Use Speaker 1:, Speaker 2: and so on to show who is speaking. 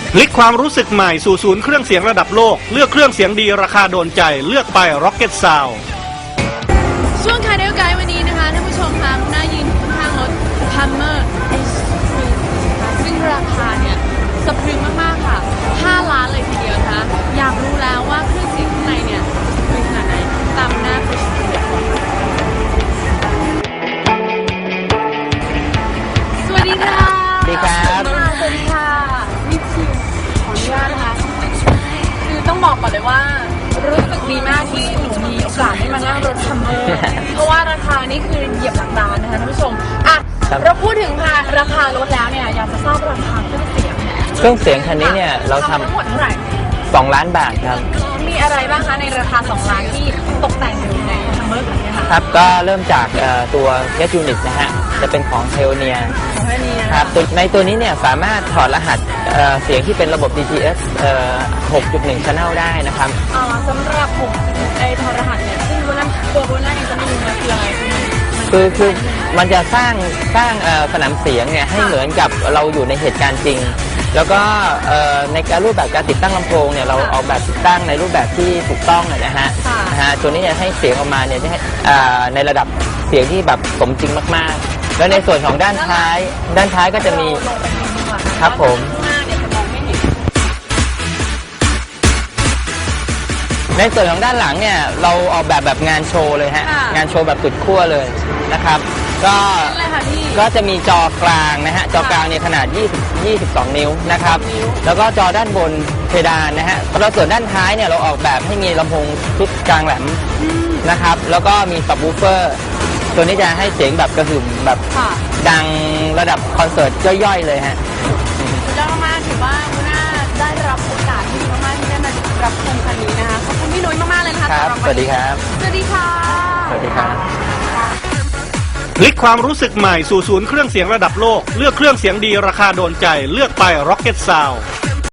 Speaker 1: พลิกความรู้สึกใหม่สู่ศูนย์เครื่องเสียงระดับโลกเลือกเครื่องเสียงดีราคาโดนใจเลือกไป Rocket Sound
Speaker 2: ช่วงคาเดลไกด์วันนี้นะคะท่านผู้ชมคะหน้ายืนข้างรถ Hummer S3 ซึ่งราคาเนี่ยสะพรึงมากๆค่ะ5 ล้านเลยทีเดียวนะคะอยากรู้แล้วว่าเครื่องเสียงข้างในเนี่ยสะพรึงขนาดไหนตามหน้าไปชมกันก่อนสวัสดีค่ะ
Speaker 3: สวัสดีครับ
Speaker 2: สวัสดีค่ะนี่คิวขออนุญาตนะคะคือต้องบอกก่อนเลยว่ารู้สึกดีมากที่หนูมีโอกาสได้มานั่งรถคัมเมอร์เพราะว่าราคานี่คือเหยียบหลักล้านนะคะท่านผู้ชมอ่ะเราพูดถึงราคารถแล้วเนี่ยอยากจะทราบราคาเครื่องเสียง
Speaker 3: เครื่องเสียงคันนี้เนี่ยเราท
Speaker 2: ทั้งหมดเท่าไหร่
Speaker 3: ำ2 ล้านบาทครับ
Speaker 2: มีอะไรบ้างคะในราคา2 ล้านที่ตกแต่งอยู่ในคัมเมอร์แบบนี้ค่ะ
Speaker 3: ครับก็เริ่มจากตัว Jet Unit นะฮะจะเป็นของ Pioneer
Speaker 2: ของแค่นี้นะ
Speaker 3: ครับในตัวนี้เนี่ยสามารถถอดรหัสเสียงที่เป็นระบบ DTS 6.1 Channel ได้นะครับ
Speaker 2: สำหรับผมไอ้ทอรหัสเนี่ยซึ่งตัวโบนัสเองจะไม่รู้นะคืออะไร
Speaker 3: คือมันจะสร้างสนามเสียงเนี่ยให้เหมือนกับเราอยู่ในเหตุการณ์จริง แล้วก็ในการรูปแบบการติดตั้งลำโพงเนี่ยเราออกแบบติดตั้งในรูปแบบที่ถูกต้องนะฮะตัวนี้จะให้เสียงออกมาเนี่ยในระดับเสียงที่แบบสมจริงมากๆแล้วในส่วนของด้านท้ายก็จะมีครับผมในส่วนของด้านหลังเนี่ยเราออกแบบงานโชว์เลยฮะงานโชว์แบบสุดขั้วเลยนะครับก็จะมีจอกลางนะฮะจอกลางเนี่ยขนาด22 นิ้วนะครับแล้วก็จอด้านบนเพดานนะฮะแล้วส่วนด้านท้ายเนี่ยเราออกแบบให้มีลำโพงชุดกลางแหลมนะครับแล้วก็มีซับวูฟเฟอร์ตัวนี้จะให้เสียงแบบกระหึ่มแบบดังระดับคอนเสิร์ตย่อยๆเลยฮะ
Speaker 2: สุดยอดมากถือว่าคุณน่าได้รับโอกาสที่ดีมากๆที่ได้มารับชมคันนี้นะคะขอบคุณพี่นุ้ยมากๆเลยนะคะ
Speaker 3: ครับสวัสดีครับ
Speaker 2: สวัสดีค่ะ
Speaker 3: สวัสดีครับ
Speaker 1: พลิกความรู้สึกใหม่สู่ศูนย์เครื่องเสียงระดับโลกเลือกเครื่องเสียงดีราคาโดนใจเลือกไป Rocket Sound